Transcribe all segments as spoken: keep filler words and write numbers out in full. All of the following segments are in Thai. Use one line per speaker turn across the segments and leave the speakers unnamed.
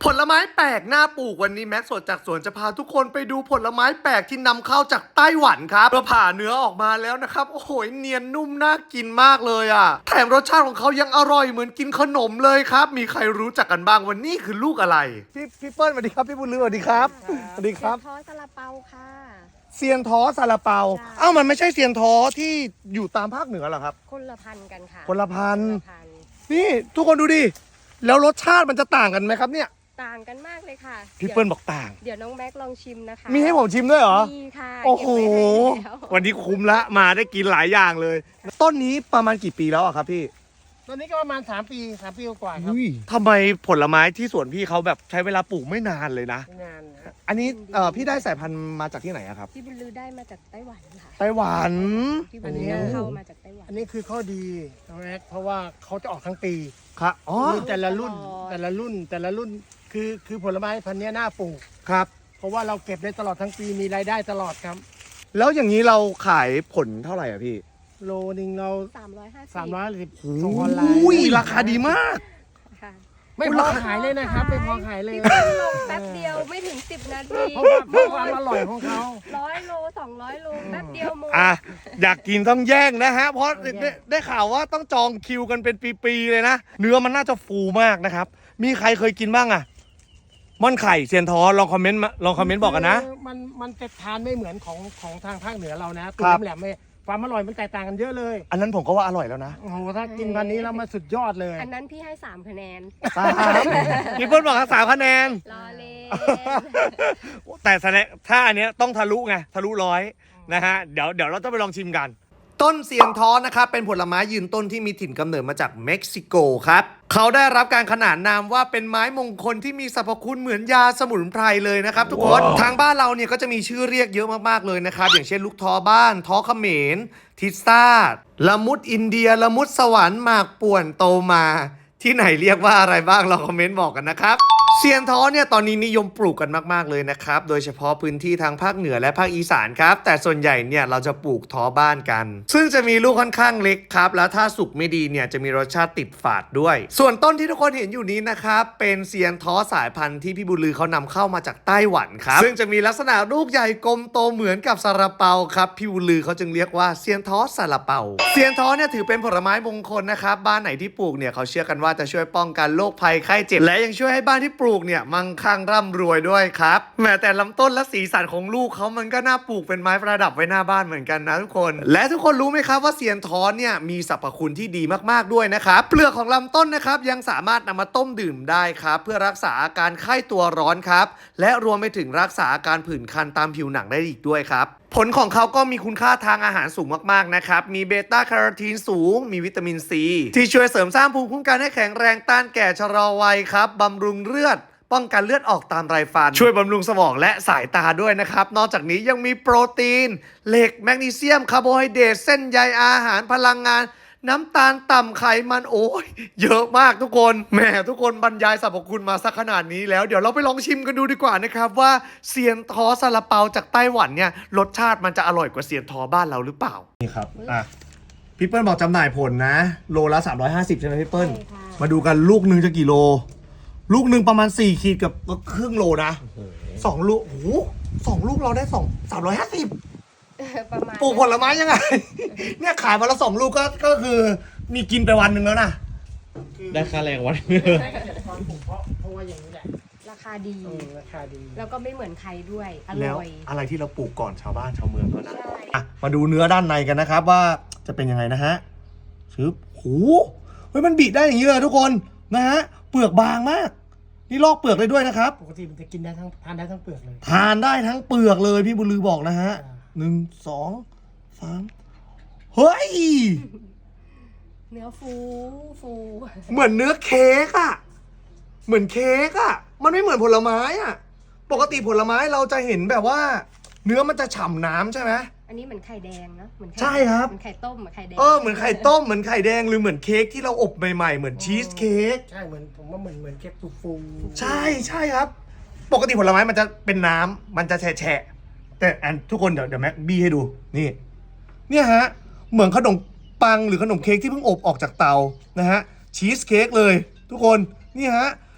ผลไม้แปลกหน้าปลูกวันนี้แม็กสดจากสวนจะพาทุกคนไปดูผลไม้แปลกที่นำเข้าจากไต้หวันครับเราผ่าเนื้อออกมาแล้วนะครับโอ้โหเนียนนุ่มน่ากินมากเลยอ่ะแถมรสชาติของเขายังอร่อยเหมือนกินขนมเลยครับมีใครรู้จักกันบ้างวันนี้คือลูกอะไรพี่พี่เปิ้ลสวัสดีครับพี่บุญลือสวัสดีครับสวัสดีครับ
เซียนท้อซาลาเปาค่ะ
เซียนท้อซาลาเปา
ใช่
เอ้ามันไม่ใช่เซียนท้อที่อยู่ตามภาคเหนือเหรอครับ
คนละพันกันค่ะ
คนละพัน
คนละพัน
นี่ทุกคนดูดิแล้วรสชาติมันจะต่างกันไหมครับเนี่ย
ต่างกันมากเลยค่ะ
พี่เปิ้ลบอกต่าง
เดี๋ยวน้องแม็กลองชิมนะคะ
มีให้ผมชิมด้วยเหรอ
มีค่ะ
โอ้โห
เก็บไว้ให้แล้ว
วันนี้คุ้มละมาได้กินหลายอย่างเลย ต้นนี้ประมาณกี่ปีแล้วอะครับพี่
ตอนนี้ก็ประมาณสามปีสามปีกว่าครับ
อุ้ยทำไมผลไม้ที่สวนพี่เขาแบบใช้เวลาปลูกไม่นานเลยนะ
งานนะ
อันนี้เอ่อพี่ได้สายพันธุ์มาจากที่ไหนอะครับ
พี่บุญลือได้มาจากไต้หวันค่ะ
ไต้หวัน
พี่บุญลือเข้ามาจากไต้หวัน
อันนี้คือข้อดีน้องแม็กเพราะว่าเขาจะออกทั้งปี
ครับอ๋อ
มีแต่ละรุ่นแต่ละรุ่นแต่ละรุ่นคือคือผลไม้พันธุ์เนี้ยน่าปลูก
ครับ
เพราะว่าเราเก็บได้ตลอดทั้งปีมีรายได้ตลอดครับ
แล้วอย่างนี้เราขายผลเท่าไหร่อะพี่
โลนึงเรา
สามร้อยห้าสิบ
สามร้อยสิบ
โอ้
ส่งออนไลน์
ยราคาดีมาก
ค่ะ
ไม่พอขายเลยนะครับไม่พอขายเลย
พี่เปิ้ลลงแป๊บเดียวไม่ถึงสิบนาที
เพราะว่าเพราะความอร่อยของเขา
ร้อยโลสองร้อยโลแป๊บเดียวหมด
อ่ะอยากกินต้องแย่งนะฮะ เพราะ
ต้องแย่ง
ได้ได้ข่าวว่าต้องจองคิวกันเป็นปีๆเลยนะ เนื้อมันน่าจะฟูมากนะครับ มีใครเคยกินบ้างอะม่อนไข่เซียนท้อลองคอมเมนต์มาลองคอมเมนต์บอกกันนะ
คือมันมันจะทานไม่เหมือนของของทางภาคเหนือเรานะตัว
ครับ
แหลมๆไม่ความอร่อยมันแตกต่างกันเยอะเลย
อันนั้นผมก็ว่าอร่อยแล้วนะ
โอ้โหถ้ากินพันนี้แล้วมาสุดยอดเลย
อันนั้นพี่ให้สามคะแนน
สามพี่เปิ้ลบอกสามคะแนน
รอเล่น
แต่แสดงถ้าอันเนี้ยต้องทะลุไงทะลุร้อยนะฮะเดี๋ยวเดี๋ยวเราต้องไปลองชิมกัน ต้นเซียนท้อนะครับเป็นผลไม้ยืนต้นที่มีถิ่นกำเนิดมาจากเม็กซิโกครับเขาได้รับการขนานนามว่าเป็นไม้มงคลที่มีสรรพคุณเหมือนยาสมุนไพรเลยนะครับทุกคน ทางบ้านเราเนี่ยก็จะมีชื่อเรียกเยอะมากๆเลยนะครับอย่างเช่นลูกท้อบ้านท้อเขมรทิซ่าละมุดอินเดียละมุดสวรรค์หมากป่วนโตมา ที่ไหนเรียกว่าอะไรบ้างลองคอมเมนต์บอกกันนะครับเซียนท้อเนี่ยตอนนี้นิยมปลูกกันมากๆเลยนะครับโดยเฉพาะพื้นที่ทางภาคเหนือและภาคอีสานครับแต่ส่วนใหญ่เนี่ยเราจะปลูกท้อบ้านกัน ซึ่งจะมีลูกค่อนข้างเล็กครับแล้วถ้าสุกไม่ดีเนี่ยจะมีรสชาติติดฝาดด้วย ส่วนต้นที่ทุกคนเห็นอยู่นี้นะครับเป็นเซียนท้อสายพันธุ์ที่พี่บุญลือเขานำเข้ามาจากไต้หวันครับซึ่งจะมีลักษณะลูกใหญ่กลมโตเหมือนกับซาลาเปาครับพี่บุญลือเขาจึงเรียกว่าเซียนท้อซาลาเปาเซียนท้อเนี่ยถือเป็นผลไม้มงคลนะครับบ้านไหนที่ปลูกเนี่ยเขาเชื่อกันว่าจะช่วยป้องกันโรคภัยไข้เจ็บและยังช่วยให้บ้านที่ปลูกเนี่ยมั่งคั่งร่ำรวยด้วยครับแม้แต่ลำต้นและสีสันของลูกเขามันก็น่าปลูกเป็นไม้ประดับไว้หน้าบ้านเหมือนกันนะทุกคนและทุกคนรู้ไหมครับว่าเซียนท้อเนี่ยมีสรรพคุณที่ดีมากๆด้วยนะครับเปลือกของลำต้นนะครับยังสามารถนำมาต้มดื่มได้ครับเพื่อรักษาอาการไข้ตัวร้อนครับและรวมไปถึงรักษาอาการผื่นคันตามผิวหนังได้อีกด้วยครับผลของเขาก็มีคุณค่าทางอาหารสูงมากๆนะครับมีเบต้าแคโรทีนสูงมีวิตามินซีที่ช่วยเสริมสร้างภูมิคุ้มกันให้แข็งแรงต้านแก่ชะลอวัยครับบำรุงเลือดป้องกันเลือดออกตามไรฟันช่วยบำรุงสมองและสายตาด้วยนะครับนอกจากนี้ยังมีโปรตีนเหล็กแมกนีเซียมคาร์โบไฮเดรตเส้นใยอาหารพลังงานน้ำตาลต่ำไขมันโอ้ยเยอะมากทุกคนแหมทุกคนบรรยายสรรพคุณมาสักขนาดนี้แล้วเดี๋ยวเราไปลองชิมกันดูดีกว่านะครับว่าเซียนท้อซาลาเปาจากไต้หวันเนี่ยรสชาติมันจะอร่อยกว่าเซียนท้อบ้านเราหรือเปล่านี่ครับอ่ะพี่เปิ้ลบอกจำหน่ายผลนะโลละสามร้อยห้าสิบใช่ไหมพี่เปิ้ล
ใช่ค่ะ
มาดูกันลูกหนึ่งจะกี่โลลูกหนึ่งประมาณสี่ขีดกับครึ่งโลนะสองลูกโอ้โหสองลูกเราได้สองสามร้อยห้าสิบ
ประมาณ
ปลูกผลไม้ยังไง เนี่ยขายมาละสองลูกก็ก็คือมีกินไปวันหนึ่งแล้วนะ
ได้ค่าแรงวัน
ตอนปลูกเพราะเพราะว่าอย่างนี้แหละ
ราคาดี
เออราคาดี
แล้วก็ไม่เหมือนใครด้วย อ
แล้ว
ร่อย
อะไรที่เราปลูกก่อนชาวบ้านชาวเมืองเขานะ
ใช่
อ่ะมาดูเนื้อด้านในกันนะครับว่าจะเป็นยังไงนะฮะชึบโหเฮ้ยมันบีได้อย่างนี้เลยทุกคนนะฮะเปลือกบางมากนี่ลอกเปลือกได้ด้วยนะครับ
ปกติมันจะกินได้ทั้งทานได้ทั้งเปลือกเลย
ทานได้ทั้งเปลือกเลยพี่บุญลือบอกนะฮะ
อ่า
หนึ่งสองสามเฮ้ย
เนื้อฟูฟู
เหมือนเนื้อเค้กอะเหมือนเค้กอะมันไม่เหมือนผลไม้อะปกติผลไม้เราจะเห็นแบบว่า เนื้อมันจะฉ่ำน้ำใช่ไหม
อันนี้เหมือนไข่แดงเนอะเหมือนไข่
ใช่ครับ
เหมือนไข่ต้มเหมือนไข่แดง
เออเหมือนไข่ต้มเหมือนไข่แดงหรือเหมือนเค้กที่เราอบใหม่ๆเหมือนชีสเค้ก
ใช่เหมือนผมว่าเหมือนเหมือนเค้กฟูฟูๆ
ใช่ใช่ครับ ปกติผลไม้มันจะเป็นน้ำมันจะแฉะๆแต่อันทุกคนเดี๋ยวเดี๋ยวแม็กบี้ให้ดูนี่เนี่ยฮะเหมือนขนมปังหรือขนมเค้กที่เพิ่งอบออกจากเตานะฮะชีสเค้กเลยทุกคนนี่ฮะ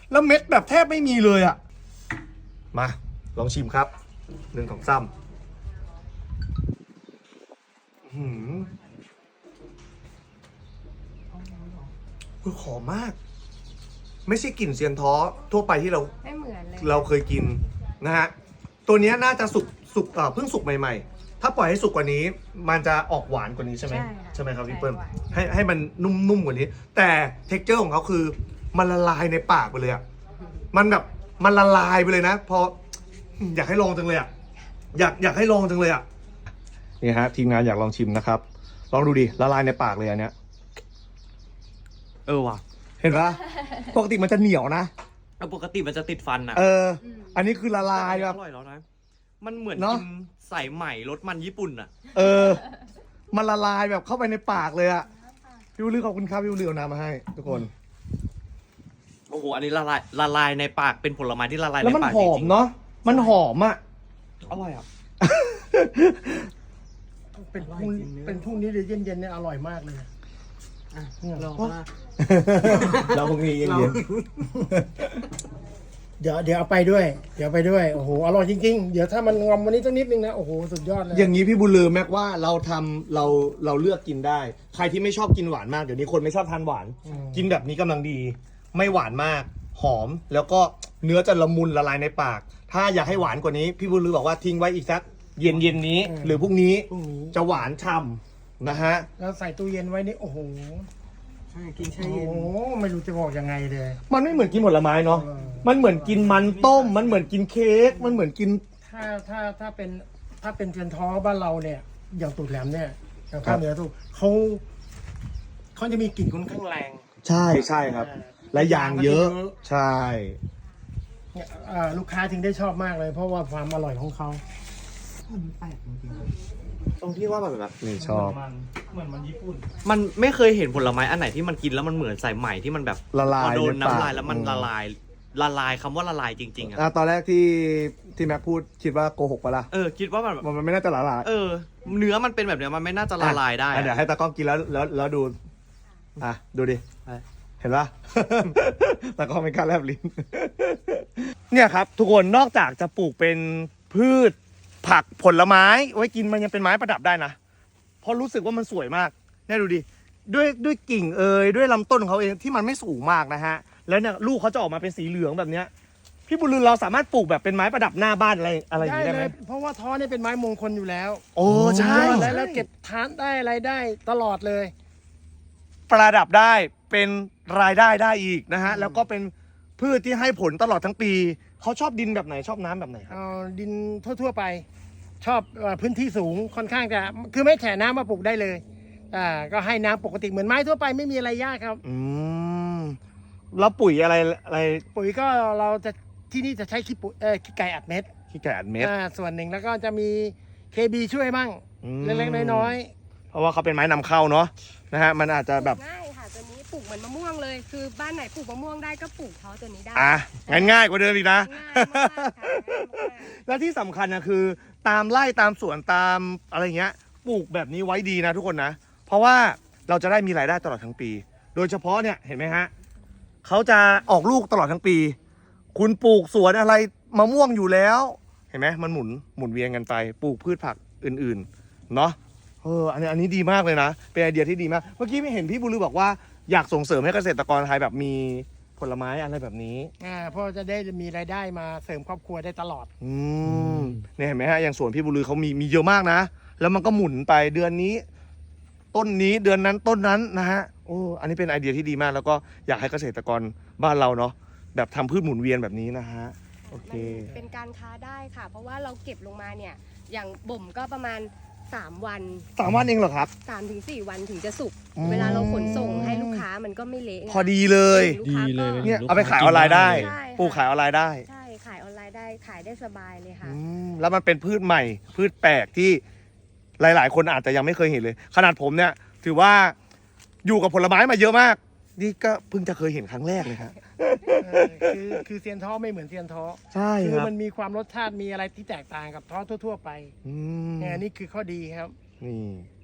แล้วเม็ดแบบแทบไม่มีเลยอ่ะมาลองชิมครับหนึ่งของซ้ำหืมคือหอมมาก ไม่ใช่กลิ่นเซียนท้อทั่วไปที่เรา
ไม่เหมือนเลย
เราเคยกินนะฮะตัวเนี้ยน่าจะสุกสุกเอ่อเพิ่งสุกใหม่ๆ ถ้าปล่อยให้สุกกว่านี้ มันจะออกหวานกว่านี้ใช่ไหม
ใช่ค่ะ
ใช่ไหมครับพี่เปิ้ล
ใช่หวาน
ให้ให้มันนุ่มๆกว่านี้ แต่เท็กเจอร์ของเขาคือมันละลายในปากไปเลยอ่ะมันแบบมันละลายไปเลยนะพออยากให้ลองจังเลยอ่ะอยากอยากให้ลองจังเลยอ่ะนี่ฮะทีมงานอยากลองชิมนะครับ ลองดูดิละลายในปากเลยอันเนี้ย
เออว่ะ
เห็นปะปกติมันจะเหนียวนะ
เออปกติมันจะติดฟันอ่ะ
เออ อันนี้คือละลายแบบ
อร่อยแล้วนะ มันเหมือน
เนอะ
กินใส่ใหม่รสมันญี่ปุ่นอ่ะ
เออ มันละลายแบบเข้าไปในปากเลยอะพี่วุ้ยขอบคุณครับพี่วุ้ยเอาน้ำมาให้ทุกคน
โอ้โห อันนี้ละลายละลายในปาก เป็นผลไม้ที่ละลายใน
แล้วมัน
ปาก
ห
จ
อม
ริง
เนาะ มันหอมอะ
ๆอร่อยอ่ะ
เป็นพรุ่งเป็นพรุ่งนี้หรือเย็นๆเนี่ยอร่อยมากเลยเนี่ย
ลองมา
เราพรุ่งนี้เย็น
เดี๋ยวเดี๋ยวเอาไปด้วย เดี๋ยวไปด้วยโอ้โหอร่อยจริงๆเดี๋ยวถ้ามันงอมวันนี้สักนิดนึงนะโอ้โหสุดยอดเลย
ๆอย่างนี้พี่บุญลือแม็กว่าเราทำเราเราเลือกกินได้ ใครที่ไม่ชอบกินหวานมากเดี๋ยวนี้คนไม่ชอบทานหวาน
อืม
กินแบบนี้กำลังดี ไม่หวานมาก หอม แล้วก็เนื้อจะละมุนละลายในปาก ถ้าอยากให้หวานกว่านี้ พี่บุญลือบอกว่าทิ้งไว้อีกสักเย็นเย็นๆนี้ หรือพรุ่งนี้
พรุ่งนี้
จะหวานฉ่ำนะฮะ
แล้วใส่ตู้เย็นไว้นี่โอ้โห
ใช่กินแช่
โอ้
เย็น
โหไม่รู้จะบอกยังไงเลย
มันไม่เหมือนกินผลไม้เนาะ
เออ
มันเหมือนกินมันต้ม มันเหมือนกินเค้ก มันเหมือนกิน
ถ้าถ้าถ้าเป็นถ้าเป็นเทียนท้อบ้านเราเนี่ย อย่างตูดแหลมเนี่ยอย่าง
ครั
ภา
บ
คเหนือตูดเขาเขาจะมีกลิ่นค่อนข้างแรง
ใช่ใช่ครับ และยางเยอะ ใช่
เนี่ยอ่าลูกค้าจึงได้ชอบมากเลย เพราะว่าความอร่อยของเขา
ตรงที่ว่าแบบแบบ
นี่ชอบ
มันเหมือนมันญี่ปุ่น
มันไม่เคยเห็นผลไม้อันไหนที่มันกินแล้วมันเหมือนใส่ใหม่ที่มันแบบ
ละลาย
พอโดน
ในปาก
น้ำลายแล้วมัน
อืม
ละลาย ละลายคำว่าละลายจริงๆอ่ะ
อ่ะตอนแรกที่ที่แม็กพูดคิดว่าโกหกปะล่ะ
เออ คิดว่ามันแบบ
มันมันไม่น่าจะละลาย
เออ เนื้อมันเป็นแบบเนี้ยมันไม่น่าจะละลายได้
อ่ะ
อะ
เดี๋ยวให้ตากล้องกินแล้วแล้วแล้วดู อ่ะ ดูดิ
ไป
เห็นปะ ตากล้องเป็นการแลบลิ้น เนี่ยครับ ทุกคนนอกจากจะปลูกเป็นพืชผักผลไม้ ไว้กินมันยังเป็นไม้ประดับได้นะ เพราะรู้สึกว่ามันสวยมากเนี่ยดูดิ ด้วยด้วยกิ่งเอยด้วยลำต้นของเขาเองที่มันไม่สูงมากนะฮะ แล้วเนี่ยลูกเขาจะออกมาเป็นสีเหลืองแบบเนี้ย พี่บุญลือเราสามารถปลูกแบบเป็นไม้ประดับหน้าบ้านอะไรอะไรอย่าง
ได้
นี้ได้
เล
ไหม
ยเพราะว่าท้อเนี่ยเป็นไม้มงคลอยู่แล้ว
โอ้ใช่
แล้วแล้วเก็บทานได้อะไรได้ตลอดเลย
ประดับได้เป็นรายได้ได้อีกนะฮะ แล้วก็เป็นพืชที่ให้ผลตลอดทั้งปี เขาชอบดินแบบไหนชอบน้ำแบบไหนครับ
เอาดินทั่ว ๆ ไป ชอบเอ่อพื้นที่สูงค่อนข้างจะคือไม่แฉน้ำมาปลูกได้เลยอ่าก็ให้น้ำปกติเหมือนไม้ทั่วไปไม่มีอะไรยากครับ
อืมแล้วปุ๋ยอะไรอะไร
ปุ๋ยก็เราจะที่นี่จะใช้ขี้ปุ๋ยเอ่อขี้ไก่อัดเม็ด
ขี้ไก่อัดเม็ด
อ่าส่วนหนึ่งแล้วก็จะมีเคบีช่วยบ้าง
อืม
เล็กๆน้อย
เพราะว่าเขาเป็นไม้นำเข้าเนาะนะฮะมันอาจจะแบบ
ง่ายค่ะตัวนี้ปลูกเหมือนมะม่วงเลย คือบ้านไหนปลูกมะม่วงได้ก็ปลูกท้อตัวนี้ได้
อ่ะงั้นง่ายกว่าเดิมอีกนะ
ง่ายมากค่ะง่ายมาก
และที่สำคัญนะคือ ตามไร่ตามสวนตามอะไรเงี้ยปลูกแบบนี้ไว้ดีนะทุกคนนะ เพราะว่าเราจะได้มีรายได้ตลอดทั้งปี โดยเฉพาะเนี่ยเห็นไหมฮะเขาจะออกลูกตลอดทั้งปี คุณปลูกสวนอะไรมะม่วงอยู่แล้ว เห็นไหมมันหมุนหมุนเวียนกันไป ปลูกพืชผักอื่นๆเนาะเอออันนี้อันนี้ดีมากเลยนะ เป็นไอเดียที่ดีมาก เมื่อกี้ไม่เห็นพี่บุญลือบอกว่าอยากส่งเสริมให้เกษตรกรไทยแบบมีผลไม้อะไรแบบนี้
ๆอ่าเพราะจะได้มีรายได้มาเสริมครอบครัวได้ตลอด
อืมเนี่ยเห็นไหมฮะอย่างสวนพี่บุญลือเขามีมีเยอะมากนะ แล้วมันก็หมุนไปเดือนนี้ ต้นนี้เดือนนั้นต้นนั้นนะฮะโอ้อันนี้เป็นไอเดียที่ดีมาก แล้วก็อยากให้เกษตรกรบ้านเราเนาะแบบทำพืชหมุนเวียนแบบนี้นะฮะโอเค
มันเป็นการค้าได้ค่ะ เพราะว่าเราเก็บลงมาเนี่ย อย่างบ่มก็ประมาณ สาม วัน
สามวันเองเหรอครับ
สามถึงสี่วันถึงจะสุก
อืม
เวลาเราขนส่งให้ลูกค้ามันก็ไม่เละไง
พอดีเลย
ลูกค้าก็
ดีเลย
เนี่ยเอาไปขายออนไลน์ได้
ใช่ค่ะ
ปลูกขายออนไลน์ได้
ใช่ ขายออนไลน์ได้ ขายได้สบายเลยค่ะ
อืมแล้วมันเป็นพืชใหม่ พืชแปลกที่หลาย ๆ คนอาจจะยังไม่เคยเห็นเลย ขนาดผมเนี่ยถือว่าอยู่กับผลไม้มาเยอะมาก นี่ก็เพิ่งจะเคยเห็นครั้งแรกเลยครับ
เออคือคือเซียนท้อไม่เหมือนเซียนท้อ
ใช่
คื
ค
อ
รับ
มันมีความรสชาติมีอะไรที่แตกต่างกับท้อทั่ว ๆ ไป
อืม
เนี่ยนี่คือข้อดีครับ
นี่